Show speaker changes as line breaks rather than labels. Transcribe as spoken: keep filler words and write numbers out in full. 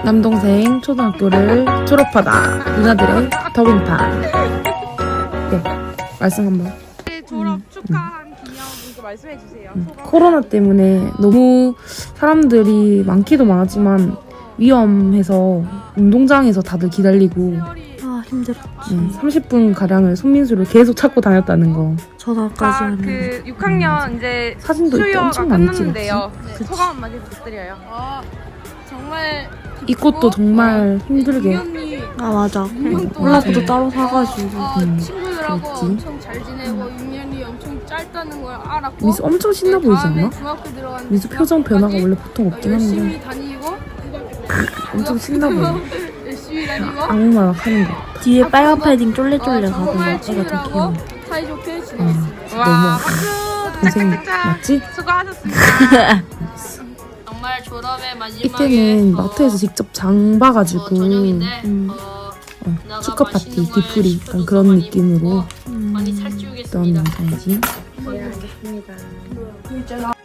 남동생 초등학교를 졸업하다. 누나들의 덕인판. 네, 말씀 한번.
졸업 축하한 기념 이거 말씀해 주세요.
음, 코로나 때문에 너무 사람들이 많기도 많았지만 위험해서 운동장에서 다들 기다리고
아 힘들었지.
음, 삼십 분 가량을 손민수를 계속 찾고 다녔다는 거.
전화까지
자,
하는.
그 육 학년 이제
사진도 이때
수료가
엄청 많이
끝났는데요.
찍었지.
네,
그치.
소감 한마디 부탁드려요.
아 정말
이 꽃도 정말 힘들게.
공연이
아 맞아.
동안
콜라보도 따로 사가지고.
아,
음,
친구들하고
그랬지.
엄청 잘 지내고 육 년이 엄청 짧다는 걸 알았고
미수 엄청 신나 보이지
다음에
않나?
중학교 들어갔는데
미수 표정 변화가 원래 보통
어,
없긴 한데
열심히 다니고
엄청 신나 보여.
열심히 다니고
악마 하는 거 같아.
뒤에 빨간 패딩 쫄래쫄래
어,
가고
정말
애가 되게
친구들하고
귀여워.
사이좋게 지냈어.
음,
와,
너무
박수!
동생
짝짝짝!
맞지?
수고하셨습니다.
정말 졸업의 마지막에
이때는
어,
마트에서 직접 장 봐가지고
어, 저녁인데
음,
어,
어,
누나가
축하 파티,
맛있는 걸
뒤풀이 약간
시켜줘서
그런
많이
느낌으로
먹고
음.
많이
했던
살찌우겠습니다.
영상이지.
네, 알겠습니다.